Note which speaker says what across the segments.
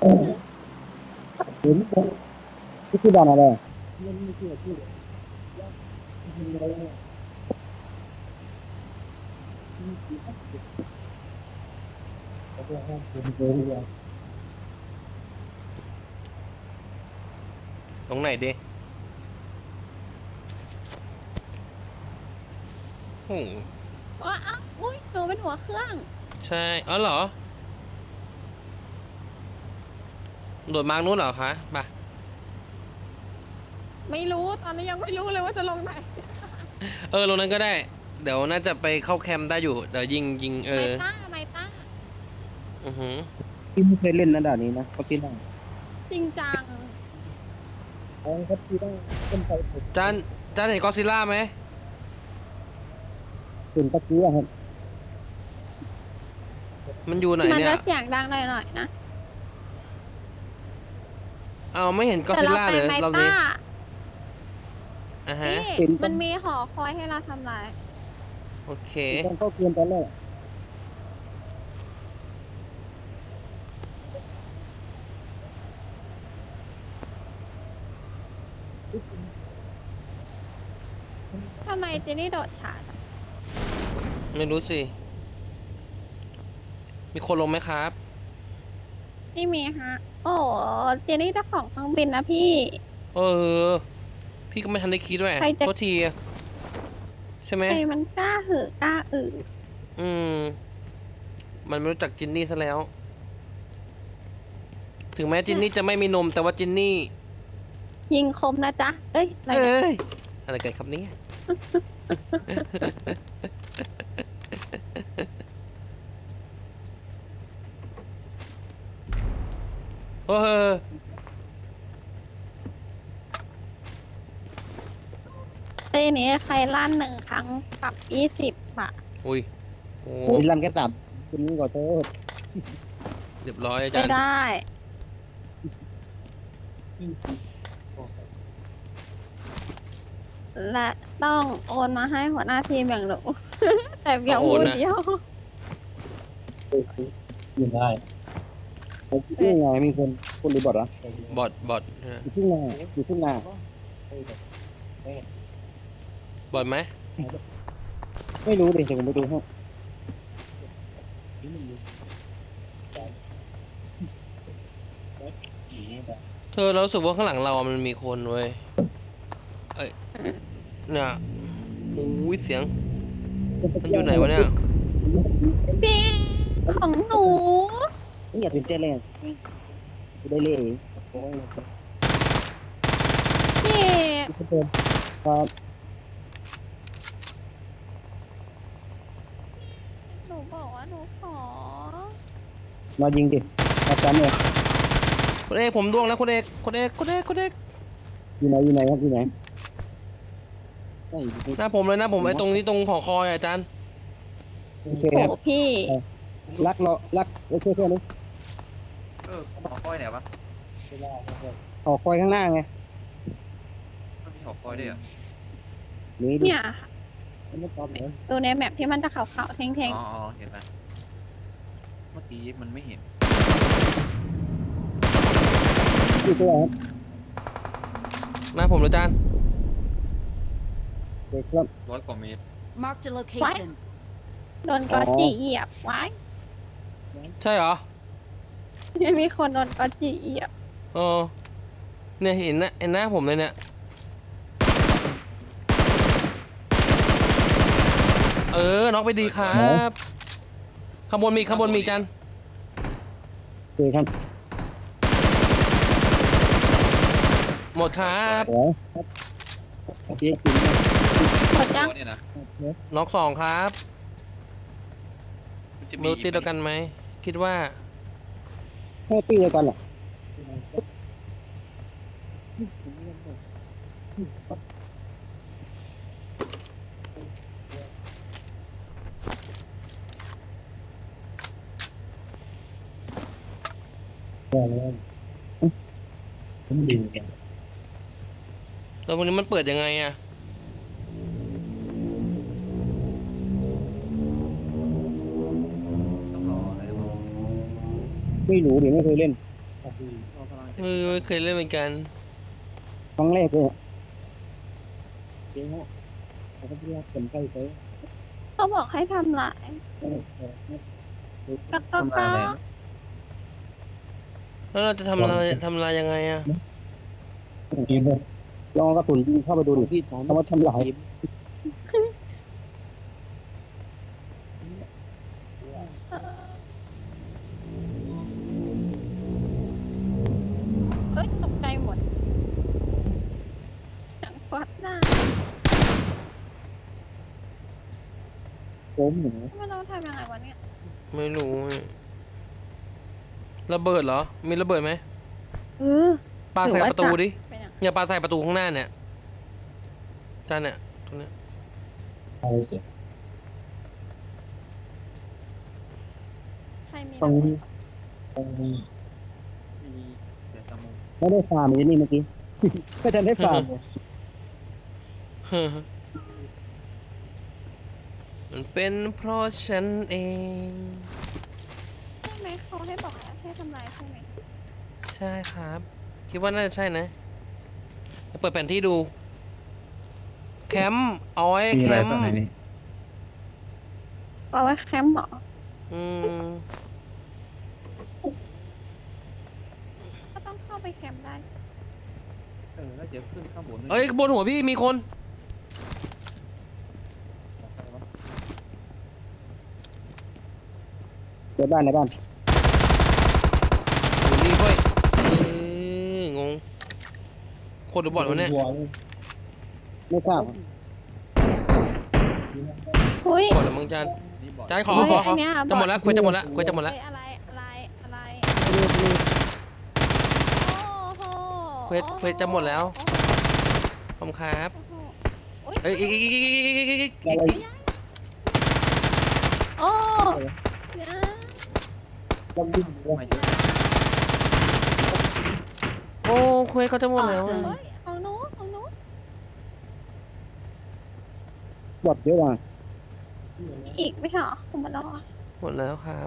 Speaker 1: เห็นที่คือบ้านอะไร
Speaker 2: ตรงไหนดิโอ้โห
Speaker 3: ว้าอุ้ยหนูเป็นหัวเครื่อง
Speaker 2: ใช่อ๋อเหรอโดดมาร์กนู้นเหรอคะไป
Speaker 3: ไม่รู้ตอนนี้ยังไม่รู้เลยว่าจะลงไหน
Speaker 2: ลงนั้นก็ได้ เดี๋ยวน่าจะไปเข้าแคมป์ได้อยู่ เดี๋ยวยิง
Speaker 3: ไมต้า
Speaker 2: อือหือ
Speaker 1: ที่ไม่เคยเล่นนะด่านนี้นะเขาที่นั่ง
Speaker 3: จริงจัง
Speaker 1: เขาที่นั่งต้นไทรผม
Speaker 2: จานเห็นก็อดซิลล่าไหม
Speaker 1: เป็นตะกี้อะครับ
Speaker 2: มันอยู่ไหน
Speaker 3: มัน
Speaker 2: เนี่
Speaker 3: จะ
Speaker 2: ย
Speaker 3: เสียงดังหน่อยนะ
Speaker 2: เอาไม่เห็นก็อด
Speaker 3: แต่
Speaker 2: ซิล
Speaker 3: เรา
Speaker 2: ล่า
Speaker 3: ไป
Speaker 2: เลย
Speaker 3: ไม
Speaker 2: รอบ
Speaker 3: ต้า
Speaker 2: นี้อ่ะฮะ
Speaker 3: พี่มันมีหอคอยให้เราทำลาย
Speaker 2: โอเค
Speaker 1: ต้องเข้าเกมตอนแรก
Speaker 3: ทำไมเจนี่โดดฉาดอะ
Speaker 2: ไม่รู้สิ มีคนลงไหมครับ
Speaker 3: ไม่มีฮะ โอ้เจนี่เจ้าของเครื่องบินนะพี่
Speaker 2: เออ พี่ก็ไม่ทันได้คิดด้วย
Speaker 3: ใครจะ
Speaker 2: โทษทีใช่ไหม
Speaker 3: ใครมันกล้าหือกล้า
Speaker 2: อืม มันไม่รู้จักจินนี่ซะแล้ว ถึงแม้จินนี่จะไม่มีนม แต่ว่าจินนี่
Speaker 3: ยิงคมนะจ๊ะ เอ้ยอะไร
Speaker 2: เอ้
Speaker 3: เนี่ย
Speaker 2: ย อะไรกันครับเนี่ยโอ้เออ
Speaker 3: เต้นี้ใครลั่น1 ครั้งปรับ20 บาท
Speaker 2: อุ้ย โอ้
Speaker 1: โอ้ยรันแค่สามคืนนี้ก่อนโทษ
Speaker 2: เรียบร้อยอาจา
Speaker 3: ไม่
Speaker 2: รย์
Speaker 3: ได้ และต้องโอนมาให้หัวหน้าทีมอย่างหนู แต่เพียงผู้เดียว
Speaker 1: อยู่ได้ที่ไงมีคนรีบอร์ดเหรอบ
Speaker 2: อท
Speaker 1: อยู่ที่นาอยู่ที่นา
Speaker 2: บอทไหม
Speaker 1: ไม่รู้ดิเดี๋ยวผมไปดูให้
Speaker 2: เธอเรารู้สึกว่าข้างหลังเรามันมีคนเว้ย เอ้ย เนี่ยอุ้ยเสียง มันอยู่ไหนวะเนี่ย
Speaker 3: พี่ของหนู
Speaker 1: ไม่อยากเป็นเจ้าแรงได้เล่ห์โอ้ย
Speaker 3: พี่
Speaker 1: ครับ
Speaker 3: หนูบอกว่าหนูขอ
Speaker 1: มายิงดิอาจารย์เนี่ย
Speaker 2: คุณเอกผมดวงแล้วคุณเอก
Speaker 1: อยู่ไหนครับอยู่ไหนไม่อยู่ที่
Speaker 2: หน้าผมเลยนะผมไอ้ตรงนี้ตรงหอคอยอาจารย์
Speaker 1: โอเค
Speaker 3: โอ้
Speaker 1: ครับ
Speaker 3: พี่
Speaker 1: รักช่วยๆนะ
Speaker 4: หอคอยไหนวะ
Speaker 1: ออกคอยข้างหน้าไง
Speaker 4: มันมีหอคอยด้วยเหรอ
Speaker 1: นี่ดิ
Speaker 3: เนี่ย
Speaker 1: ไม่ตอบเลย
Speaker 3: ดูในแมปที่มันจะขาวๆแท่ง
Speaker 4: อ๋อเห็นแล้วเมื่อกี้มันไม่เห็น
Speaker 1: อยู่ตัวครับ
Speaker 2: หน้าผมเลยอาจารย์
Speaker 1: เด็กครับ
Speaker 4: 100 กว่าเมตร
Speaker 5: Marked a location.
Speaker 3: ๆโดนกอจิเหยียบไว้
Speaker 2: ใช่เหรอ
Speaker 3: มีคนโดนกอจิเหยียบ
Speaker 2: เออเนี่ยเห็นหน้าผมเลยเนี่ย น็อกไปดีครับข้างบนมีอาจารย์
Speaker 1: เด็กครับ
Speaker 2: หมดครับ
Speaker 1: โอ้ยโอเคจริง
Speaker 3: หมดยัง
Speaker 4: เนี่ยนะ
Speaker 2: น็อก2ครับ
Speaker 4: มันจะ
Speaker 2: ไม่รู้ตีเดียวกันไหมคิดว่า
Speaker 1: แค่ตีเดียวกันเหรอผมดีกัน
Speaker 2: แล้วพวกนี้มันเปิดยังไงอะ
Speaker 4: ต้องรออะไรวะ
Speaker 1: ไม่รู้ดิไม่เคยเล่น
Speaker 4: เรากำลังจะ
Speaker 2: ไม่เคยเล่นเหมือนกัน
Speaker 1: ครั้งแรกเลยเจ๊ฮะเขาก็เรียกคนใกล้ไป
Speaker 3: เขาบอกให้ทำลายกักกัก
Speaker 4: ทำอะไร
Speaker 3: กัก
Speaker 2: แล้วเราจะทำลายยังไงอะ
Speaker 1: ทีมเลยลองกระสุนยิงเข้าไปดูดิเขาว่าทำลาย
Speaker 3: เอ้ยตกใจหมดจังฟัดหน้า
Speaker 1: โค้งหนู
Speaker 3: ไม่ต้องทำยังไงวะเนี่ย
Speaker 2: ไม่รู้อะระเบิดเหรอ มีระเบิดไหม
Speaker 3: เออ
Speaker 2: ปาใส่ประตูดิ
Speaker 3: เป็นยัง
Speaker 2: อย่าปาใส่ประตูข้างหน้าเนี่ยจานเนี่ยตรงเนี้ย
Speaker 1: เอาเสีย
Speaker 3: ใครมี
Speaker 1: ตรง
Speaker 3: ระเบิ
Speaker 1: นี้
Speaker 3: ด
Speaker 1: ตรงนี้
Speaker 4: มีเดี๋ยวสมุน
Speaker 1: ไม่ได้ฟาร์มเลยนี่เมื่อกี้ ก็จะได้ฟาร์มเลย
Speaker 2: มันเป็นเพราะฉันเอง
Speaker 3: ใช่ไหมเขาให้บอกให้ทำลายใช่ไหม
Speaker 2: ใช่ครับ คิดว่าน่าจะใช่นะเปิดแผนที่ดู แคมป์เอาไว้
Speaker 4: มี
Speaker 2: แค
Speaker 4: อะไร
Speaker 2: ม
Speaker 4: บ้าง
Speaker 2: ป์
Speaker 4: ในนี้
Speaker 3: เอาไว้แคมป์เหรอ
Speaker 2: อืม
Speaker 3: ก็ต้องเข้าไปแคมป์ได้
Speaker 4: แล้วเดี๋ยวขึ้นข้างบน
Speaker 2: เอ้ยบนหัวพี่มีคน
Speaker 1: เดี๋ยวบ้านในบ้าน
Speaker 2: อยู่นี่เว้ยงง คนหรือบอทวะเนี่ย
Speaker 1: ไม่ทราบ
Speaker 3: เฮ้ย
Speaker 2: บอทหรือมึงจาน
Speaker 4: นี่บอด
Speaker 2: จานขอ
Speaker 3: เฮ้ย
Speaker 2: ขอ
Speaker 3: อันเนี้ย
Speaker 2: จะหมดแล้วคุยจะหมดแล้วคุยจะหมดแล้ว
Speaker 3: เฮ้ยอะไรโอ้โห
Speaker 2: เควสจะหมดแล้ว ขอบคุณครับ
Speaker 3: โอ้โห
Speaker 2: เอ้ยอีก
Speaker 1: อะไร
Speaker 3: โอ้เดี๋ยว
Speaker 1: ต้องดิ้นเลย
Speaker 4: ไม่เจอ
Speaker 2: โอ้เควสเขาจะหมดแล้วอะ
Speaker 3: เฮ้ยของหนู
Speaker 1: บอดเยอะว่ะ
Speaker 3: อีกไม่ใช่เหรอคุณมาลอ
Speaker 2: หมดแล้วครับ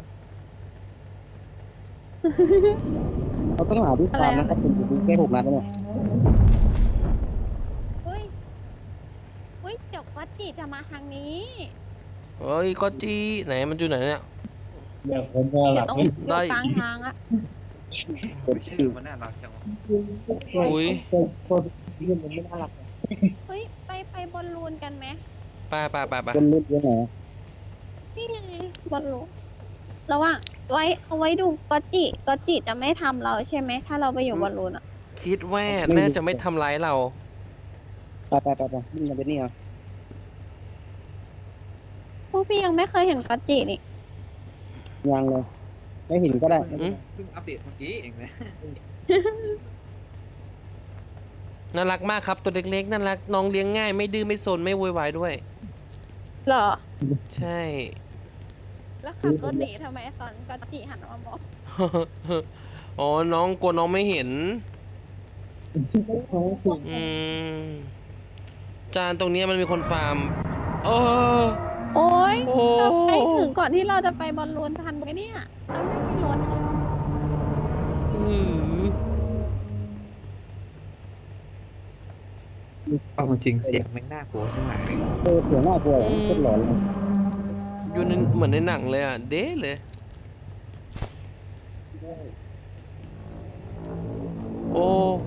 Speaker 1: เราต้องหาที่ฟาร์มนะครับเป็นอยู่แค่6 นัดแล้วเนี่ย
Speaker 3: เฮ้ยเดี๋ยววัดจิจะมาทางนี้
Speaker 2: เฮ้ยก็จีไหนมันอยู่ไหนเนี่ย
Speaker 1: เดี๋ยวผมจะห
Speaker 3: เดี๋
Speaker 1: ลั
Speaker 3: ยว
Speaker 1: บ
Speaker 3: ต้อง
Speaker 1: ให้
Speaker 3: อยู่กลางทางอะ
Speaker 4: ชื่อมันน่ารักจังวะ
Speaker 2: อุ้ย
Speaker 1: คนที่มันไม่น่ารัก
Speaker 3: เฮ้ยไปบอลลูนกันไหม
Speaker 2: ไป
Speaker 1: คนเล่นเยอะหน่อย
Speaker 3: นี่ไงบอลลูนระหว่างเอาไว้ดูก็จิจะไม่ทำเราใช่ไหมถ้าเราไปอยู่บอลลูนอะ
Speaker 2: คิดว่าน่าจะไม่ทำร้ายเรา
Speaker 1: ไปนี่มันเป็นนี่อ่ะ
Speaker 3: พวกพี่ยังไม่เคยเห็นก็จินี่
Speaker 1: ยังเลย ไม่เห็นก็ได้
Speaker 2: อืม
Speaker 4: เพิ่งอัปเดตเมื่อกี้เองนะ
Speaker 2: น่ารักมากครับตัวเล็กๆน่ารักน้องเลี้ยงง่ายไม่ดื้อไม่ซนไม่โวยวายด้วย
Speaker 3: เหรอ
Speaker 2: ใช่
Speaker 3: แล้วขับรถหนีทำไมตอนก็จิหันมามอง
Speaker 2: อ๋อน้องกลัวน้องไม่เห็น อืมจานตรงเนี้ยมันมีคนฟาร์มเออ
Speaker 3: โอ๊ย
Speaker 2: โอ้
Speaker 3: เราไปถึงก่อนที่เราจะไปบอลลูนทันไหมเนี่ยเราไม่มีรถ
Speaker 2: อือ
Speaker 4: เอาจริงเสียงแม่งน่ากลัวใช่ไหม
Speaker 1: เสียงน่ากลัวโคตรหลอนเลย
Speaker 2: อยู่ในเหมือนในหนังเลยอ่ะเด้เลย โอ้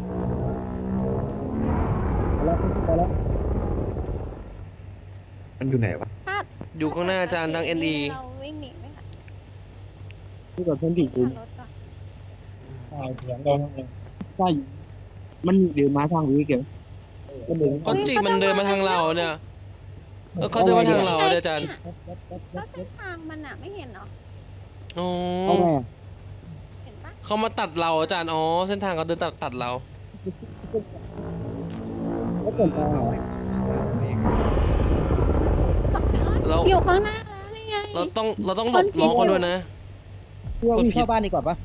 Speaker 1: ไปแล้ว
Speaker 4: มันอยู่ไหนวะ
Speaker 3: ถ้า
Speaker 2: อยู่ข้างหน้าอาจารย์ทาง NE
Speaker 3: เราวิ่งหนีไหมคะ
Speaker 1: ที่ก่อนเพื่อนที่
Speaker 3: ขั
Speaker 1: อื่น
Speaker 3: บรถก่อน
Speaker 1: เสียงดังเลยใช่มันเดินมาทางนี้เกี่ยวก็เดิน
Speaker 2: ก็จีมันเดินมาทางเราเนี่ยเขาเดินมาทางเราเนี่ยอาจารย์
Speaker 3: แล้วเส้นทางมันอะไม่เห็นเหรอ
Speaker 2: อ๋อ
Speaker 1: เอาไง
Speaker 3: เห็นปะ
Speaker 2: เขามาตัดเราอาจารย์อ๋อเส้นทางเขาเดินตัดเรา
Speaker 1: ก็เกินไป
Speaker 2: เรา
Speaker 3: อยู่ข้างหน้าแล้วนี่ไง
Speaker 2: เราต้องหลบน้องเขาด้วยนะ
Speaker 1: เพื่อวิ่งเข้าบ้านดีกว่าปะ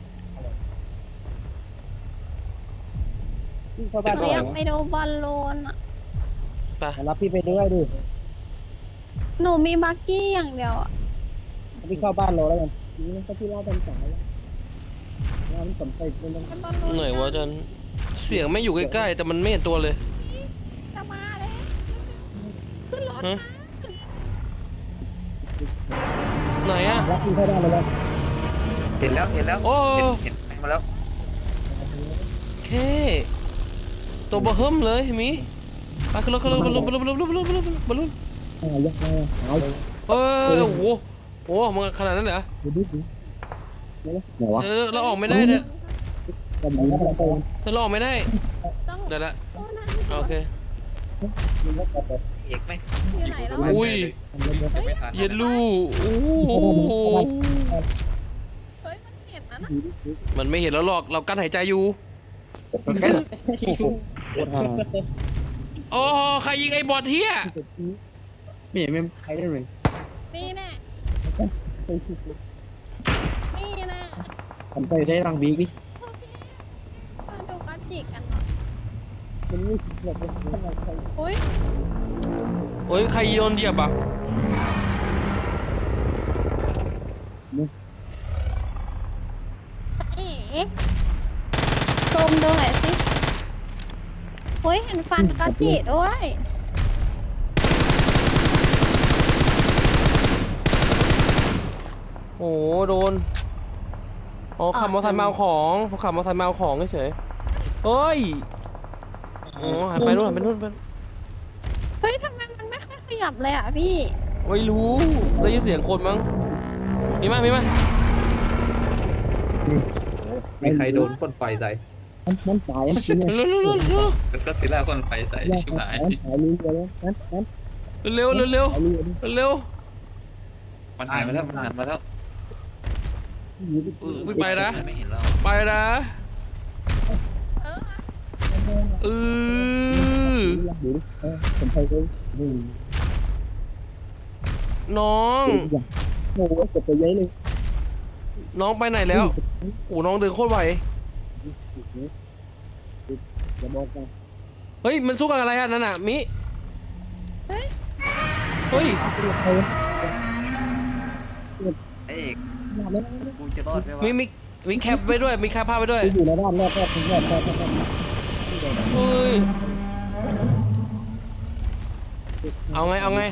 Speaker 1: วิ่งเข้าบ้าน
Speaker 3: เรา
Speaker 1: ก่อ
Speaker 3: อยาน กไปดูบอลลูนอะ
Speaker 2: ไป
Speaker 1: มารับพี่ไปด้วยดิ
Speaker 3: หนูมีบักกี้อย่างเดียวอะ
Speaker 1: พี่เข้าบ้านเราแล้วกันนี่ก็ที่เล่าเป็นสายมันสนใจมันต้อง
Speaker 3: มันบอลลูน
Speaker 2: ไหนวะอาจารย์เสียงไม่อยู่ใกล้ๆแต่มันไม่เห็นตัวเลย
Speaker 3: จะมาเลยขึ้นรถ
Speaker 2: ฮะ
Speaker 3: มา
Speaker 2: ไหนอะ
Speaker 1: รับที่เข้าได้เลยนะ
Speaker 4: เห็นแล้วเห็นแล้ว
Speaker 2: โอ้
Speaker 4: เห็นมาแล้ว
Speaker 2: เคตัวเบอร์เฮิมเลยมีไปขึ้นรถขึ้นรถบอลลูนบอลลูนบอลลูนบอลลูนบอลลูนบอลลูน
Speaker 1: ยักษ์เลยหายเลย
Speaker 2: โอ้โหโอ้มันขนาดนั้นเหรอ
Speaker 1: ดูดิไหนวะ
Speaker 2: เราออกไม่ได้เนี่ย
Speaker 1: กำลังกำลังไป
Speaker 2: เราออกไม่ได้
Speaker 3: ต้อง
Speaker 2: ได้ละ
Speaker 3: โอ้นั่น
Speaker 2: โอเค
Speaker 1: มันก็ไป
Speaker 4: เอกไหม
Speaker 3: อยู่ไหนแล้ว
Speaker 2: อุ้ย
Speaker 4: ไม่ทัน
Speaker 2: เย็นลูกโอ้โห
Speaker 3: เฮ้ยมันเห็นนะ
Speaker 2: มันไม่เห็นแล้วหรอกเรากั้นหายใจอยู่
Speaker 1: โคตรฮา
Speaker 2: โอ้ใครยิงไอ้บอทเฮีย
Speaker 1: ไม่เห็นไม่ใครได้เลย
Speaker 3: นี่แน่นี่แน่
Speaker 1: ทำไปได้รังบีดิ
Speaker 3: โอเคมาดูกอจิกันหน่อย
Speaker 1: มันไม่คิดแบบเป็นใคร
Speaker 3: โอ้ย
Speaker 2: โอ้ยใครโยนเหยียบอ่ะ
Speaker 3: เอ๋ซูมดูหน่อยสิเฮ้ยเห็นฟันกอจิด้วย
Speaker 2: โอ้โดนอ๋อขับมอเตอร์ไซค์มาเอาของเขาขับมอเตอร์ไซค์มาเอาของเฉยเฮ้ยอ๋อหันไปนู่นหันไปนู่นไป
Speaker 3: เฮ้ยทำไมมันไม่ค่อยขยับเลยอ่ะพี่
Speaker 2: ไม่รู้ได้ยินเสียงคนมั้งมีมั้ยมีมั้ย
Speaker 4: มีใครโดนพ่นไฟใส่
Speaker 1: มันตายชิ้นเนี่ย
Speaker 2: เร็วเร็วเร็วเร็ว
Speaker 4: แล้วก็ซิล่าพ่นไฟใส่ชิบหาย
Speaker 1: หายเลยนั้น
Speaker 2: เร็วเร็วเร็ว
Speaker 1: หายเลย
Speaker 2: เร็ว
Speaker 4: มันหายมาแล้วมันหายมาแล้ว
Speaker 2: ไม่ไปนะ
Speaker 4: ไม่เห็นแล้ว
Speaker 2: ไปนะ
Speaker 3: เออ
Speaker 2: เออ
Speaker 1: ดูดิผมไปเลย
Speaker 2: น้อง
Speaker 1: โอ้โหเก็บไปเยอะเลย
Speaker 2: น้องไปไหนแล้วโอ้น้องเดินโคตรไว
Speaker 1: อย่าบอกกัน
Speaker 2: เฮ้ยมันสู้กับอะไรอ่ะนั่นน่ะมิเฮ้ย
Speaker 4: เอกกูจะรอดไหมวะ
Speaker 2: มีแคปไว้ด้วยมีแคปภาพไว้ด้วย
Speaker 1: อยู่ในบ้านรอดถึงรอด
Speaker 2: เฮ้ยเอาไงเอาไง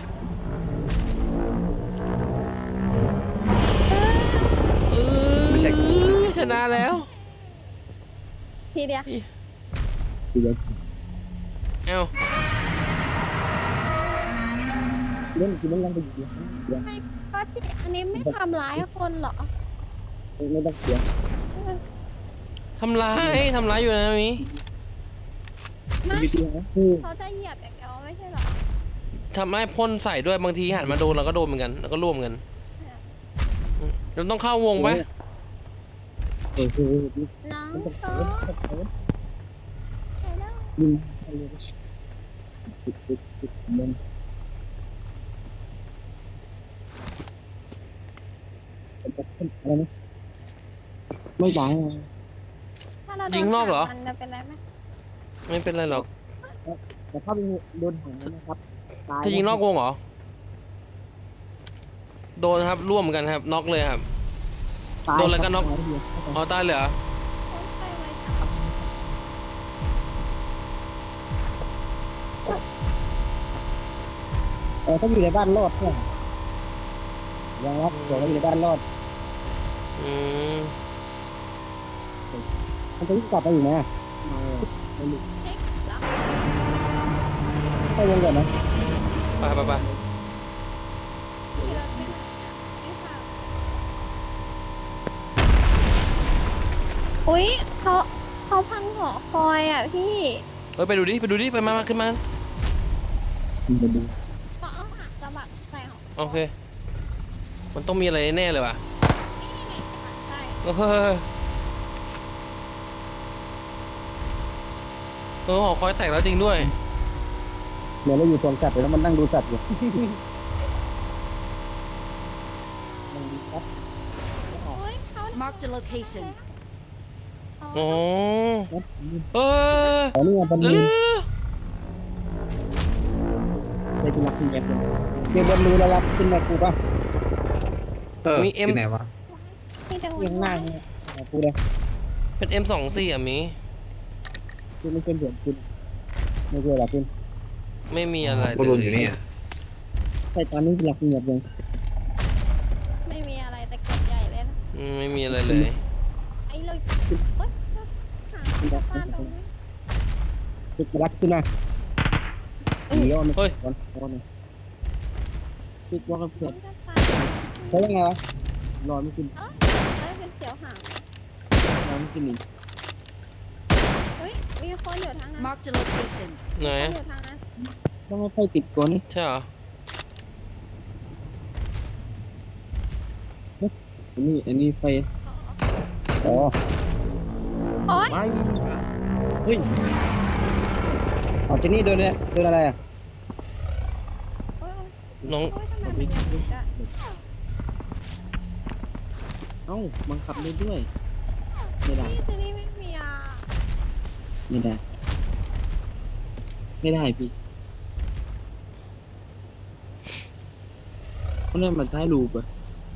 Speaker 2: เออชนะแล้ว
Speaker 3: ทีเดียว
Speaker 2: เอา
Speaker 1: เล่นกินเล่นยังไปอยู่
Speaker 3: ไม่กอจิอันนี้ไม่ทำร้ายคนเหรอ
Speaker 1: ไม่ต้องเสีย
Speaker 2: ทำร้ายอยู่นะมิ
Speaker 3: ไม่
Speaker 1: วิธีนะคือ
Speaker 3: เขาจะเหยียบอย่างเดียวไม่ใช่เหรอ
Speaker 2: ทำให้พ่นใส่ด้วยบางทีหันมาโดนเราก็โดนเหมือนกันแล้วก็ร่วมกันเราต้องเข้าวงไหม
Speaker 1: คือ
Speaker 3: น้อง
Speaker 1: มันต้อง
Speaker 3: โซ
Speaker 1: เสีย
Speaker 3: ไปแล้ว
Speaker 1: ยิงมันอะไรนะไม่ตาย
Speaker 3: ถ้าเราโด
Speaker 2: ยิงนอกเหรอ
Speaker 3: มันจะเป็นไรไหม
Speaker 2: ไม่เป็นไรหรอก
Speaker 1: แต่ถ้าเป็นโดนหังนะครับ
Speaker 2: ถ้ายิงนอกวงเหรอโดนครับร่วมกันครับน็อกเลยครับอ๋อตายเลยเหรอ
Speaker 3: คนไปไว้จับ
Speaker 1: ถ้าอยู่ในบ้านรอดเนี่ยยังรับเดี๋ยวอยู่ในบ้านรอด
Speaker 2: อืม
Speaker 1: มันจะกลับไปอยู่นะ
Speaker 3: เช็คแล้ว
Speaker 1: เข้าวงก่อนนะ
Speaker 2: ไปไปไป
Speaker 3: ที่เราไปไหนอะไม่ทราบอุ๊ยเขาพังหอคอยอ่ะพี่
Speaker 2: เอ้ยไปดูดิไปมาขึ้นมา
Speaker 3: เขาเอาหักกระบะใส่หอ
Speaker 2: โอเค มันต้องมีอะไรแน่เลยว่ะ
Speaker 3: นี่ใช่
Speaker 2: เฮ้ยหอคอยแตกแล้วจริงด้วย
Speaker 1: เดี๋ยวเราอยู่สวนสัตว์แล้วมันนั่งดูสัตว์อยู่
Speaker 3: โอ๊ยเขา
Speaker 5: Marked a location.
Speaker 2: อ๋อเออ
Speaker 1: แต่นี่มัน
Speaker 2: เร็ว
Speaker 1: ได้กินรักกินแม็กเลยเดี๋ยวบนรู้แล้วรับกินแม็กกูป่ะ
Speaker 4: ที่ไหนวะ
Speaker 3: ที่จะ
Speaker 1: ยังหน้าเนี่ยกูเลย
Speaker 2: เป็น M24 อ่ะมี
Speaker 1: คุณไม่เป็นเสียงคุณไม่เจอหรอคุณ
Speaker 2: ไม่มีอะไร
Speaker 5: บอล
Speaker 2: เล
Speaker 5: ลูน
Speaker 2: ย
Speaker 5: อยู่นี่อะ
Speaker 1: ใช่ตอนนี้หลักเงียบเลย
Speaker 3: ไม่มีอะไรแต่เก็บใหญ่เลยนะ
Speaker 2: ไม่มีอะไรเลย
Speaker 3: ไอ้เลยเฮ้ยหางจะฟาดตรงนี้
Speaker 1: ติดรักขึ้นมาหนีว่ามันก่อนก่อนติดว่ากันเพื่อน
Speaker 3: จะฟาด
Speaker 1: เพราะว่าไงวะรอไม่ขึ้น
Speaker 3: ได้เป็นเสียวหาง
Speaker 1: รอไม่ขึ้นอีก
Speaker 3: เฮ้ยมีคนอยู่ทางนั้น
Speaker 6: Marked a location.
Speaker 2: ไหน
Speaker 3: คนอยู่ทางนั้น
Speaker 1: ต้องไม่ค่อยติดตัวนี้
Speaker 2: ใช่เหรอ
Speaker 1: อันนี้ไฟอ๋อ
Speaker 3: โอ๊ย
Speaker 1: ไม่เฮ้ยเอาที่นี่โดนเลยโดนอะไรอ่ะ
Speaker 3: โอ๊ย
Speaker 2: น้อง
Speaker 3: โอ๊ยทำไมมันยังติดอะ
Speaker 1: เอ้าบังคับได้ด้วยไม่ได้
Speaker 3: นี่จะนี่ไม่มีอ่ะ
Speaker 1: ไม่ได้ไม่ได้พี่เพราะนั่นมันท้ายรูปอะ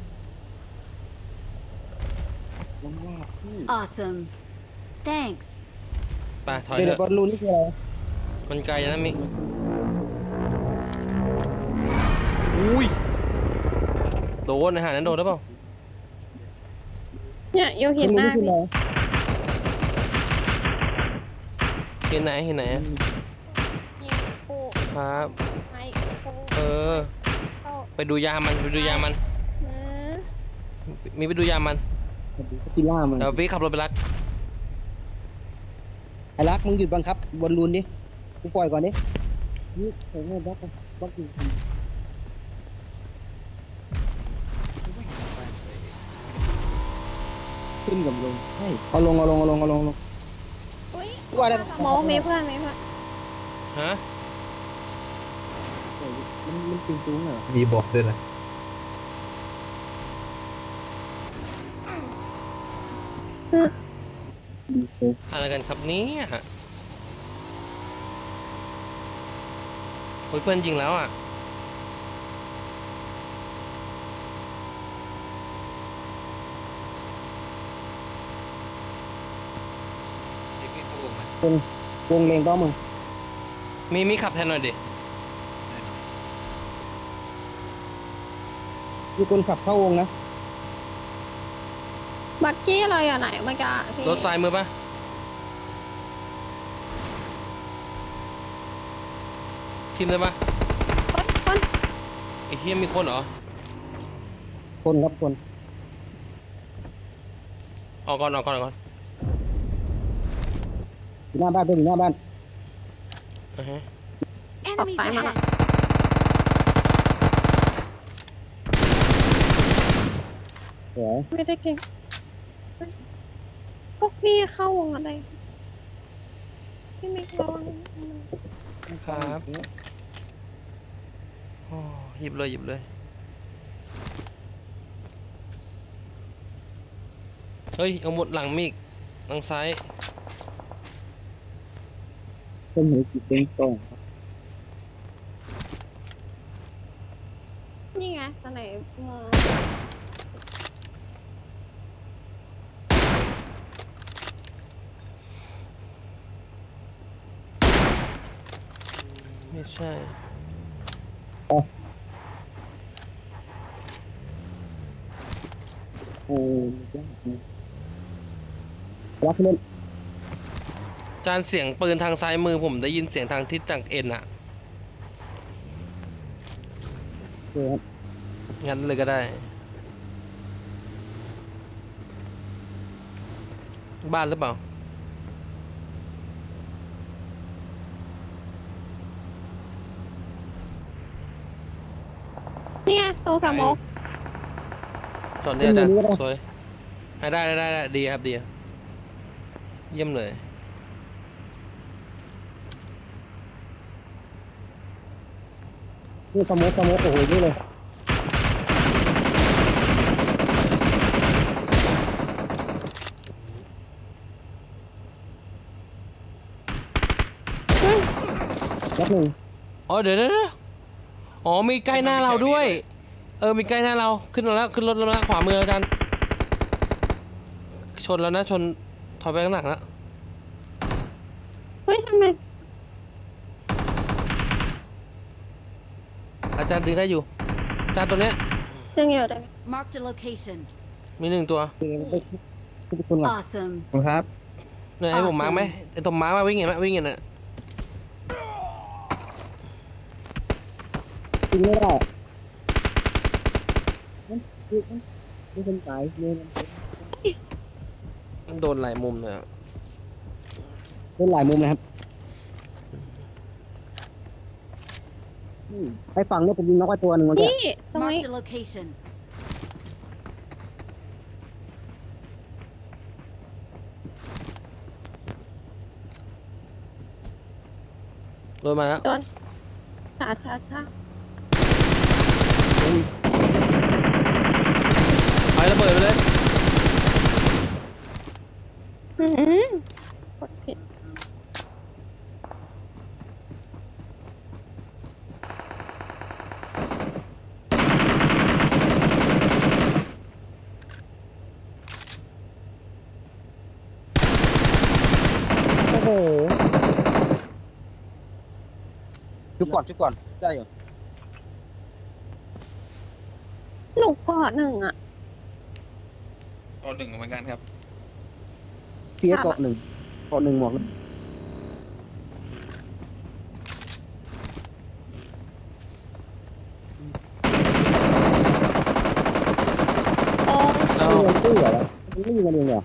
Speaker 1: มันว่าพี่
Speaker 6: Awesome. Thanks.
Speaker 2: ไปถอย
Speaker 1: เดี๋ยว
Speaker 2: เถ
Speaker 1: เดี๋ยวบอ
Speaker 2: อะ
Speaker 1: ลลูนนี่คืออะไร
Speaker 2: มันไกลนะมิอุ้ยโดนอาหารนั้นโดนหรือเปล่า
Speaker 3: เนี่ยโย
Speaker 1: บอ
Speaker 3: เห็
Speaker 1: ล
Speaker 3: น
Speaker 1: ลู
Speaker 3: ห
Speaker 1: น
Speaker 3: น้า
Speaker 1: นี่คือ
Speaker 3: พี่
Speaker 1: อะไร
Speaker 2: เห็นไหนเห็นไหนอะ
Speaker 3: ยิงปู
Speaker 2: ครับ
Speaker 3: ไม้ปู
Speaker 2: เออ
Speaker 3: เข้า
Speaker 2: ไปดูยามันไปดูยามัน
Speaker 3: หืม
Speaker 2: มีไปดูยามัน
Speaker 1: จิล่ามัน
Speaker 2: เดี๋ยวพี่ขับรถไปรัก
Speaker 1: ไอ้รักมึงหยุดบังคับบอลลูนดิกูปล่อยก่อนดินี่ใส่แม่รักบักอยู่ขึ้นกับลงใช่เอาลง
Speaker 3: อุ้ย
Speaker 1: ว่าได้
Speaker 3: สมองมีเพื่อนมีเพื่อน
Speaker 2: ฮะ
Speaker 1: มันตึงตุ้งเหรอ
Speaker 5: มีบอกด้วยนะ
Speaker 1: ดีเซล
Speaker 2: อะไรกันครับเนี่ยโอ้ยเพื่อนยิงแล้วอ่ะ
Speaker 1: วงเลงก็มึง
Speaker 2: มีขับแทนหน่อยดิ
Speaker 1: มีคนขับเข้าวงนะ
Speaker 3: บักกี้อะไรอ่ะไหนเมื่อกี้อะพี่
Speaker 2: รถซ้ายมือปะทีมได้ปะ
Speaker 3: คน
Speaker 2: ไอ้เฮียมีคนเหรอ
Speaker 1: คนครับคน
Speaker 2: ออกก่อนออกก่อนออกก่อน
Speaker 1: อยู่หน้าบ้านเป็นอยู่หน้าบ้าน
Speaker 2: อ่าฮะ
Speaker 6: Enemies
Speaker 3: Bye, Mama.
Speaker 6: ahead.
Speaker 1: สวย
Speaker 3: ไม่ได้เก่งพวกพี่เข้าวงอะไรพี่มิกระวัง
Speaker 2: ครับโอ้หยิบเลยหยิบเลย เฮ้ย เอาหมดหลังมีอีกหลังซ้าย
Speaker 1: เป็นหัวจิตเป็นตรง
Speaker 3: นี่ไงสไนมอง
Speaker 2: ไม่ใช่
Speaker 1: โอ้ยยากนะรักเล่น
Speaker 2: จานเสียงปืนทางซ้ายมือผมได้ยินเสียงทางทิศจากเอ็นอะ
Speaker 1: สวยครับ
Speaker 2: งั้นเลยก็ได้ บ้านหรือเปล่า
Speaker 3: นี่ไงตรงสมอง
Speaker 2: จอดเนี่ยอาจารย์สวยได้ดีครับดีครับเยี่ยมเลย
Speaker 1: นี่สโมุกโอ้โหนี่เลย
Speaker 3: เฮ้ย
Speaker 1: รักหนึ่ง
Speaker 2: อ๋อเดี๋ยวอ๋อมีใกล้หน้าเราด้วย มีใกล้หน้าเราขึ้นมาแล้วขึ้นรถแล้วนะขวามืออาจารย์ชนแล้วนะชนถอยไปข้างหลังแล้ว
Speaker 3: เฮ้ยทำไม
Speaker 2: อาจารย์ดึงได้อยู่อาจารย์ตัวเนี้ย
Speaker 3: ยังอยู่ได้ไหม
Speaker 6: Marked a location.
Speaker 2: มี1 ตัว
Speaker 1: เจอไปทุกคนก่อน
Speaker 6: Awesome.
Speaker 1: ครับ
Speaker 2: เนี่ยให้ผมมาร์กไหมไอ้ตัวมาร์กมาวิ่งเห็นไหมวิ่งเห็นน่ะ
Speaker 1: จริงไม่ได้มันไม่คนตายเนี่ย
Speaker 2: มันโดนหลายมุมเลยอะ
Speaker 1: เป็นหลายมุมนะครับไปฝั่งเนี่ยผมยิงน็อกไปตัวหนึ่งเมื่อกี้
Speaker 3: นี่ตรงนี้
Speaker 6: Marked a location.
Speaker 2: โดนมาแล้ว
Speaker 3: ช้า
Speaker 2: ไประเบิดไปเลย
Speaker 3: อืมกดผิด
Speaker 1: โอ้โหชุบก่อนได้อยู่
Speaker 3: หนูเกาะหนึ่งอ่ะ
Speaker 4: ก็หนึ่งเหมือนกันครับ
Speaker 1: เพียเกาะหนึ่งหมวก
Speaker 3: โอ้
Speaker 2: เอา
Speaker 1: เงินตู้เหรอมันไม่ยิงกันเองเหรอ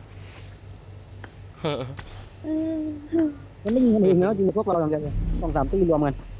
Speaker 3: อืม
Speaker 1: มันไม่ยิงกันเองแล้วจริงพวกเราอย่างเดียว2-3 ตีรวมกัน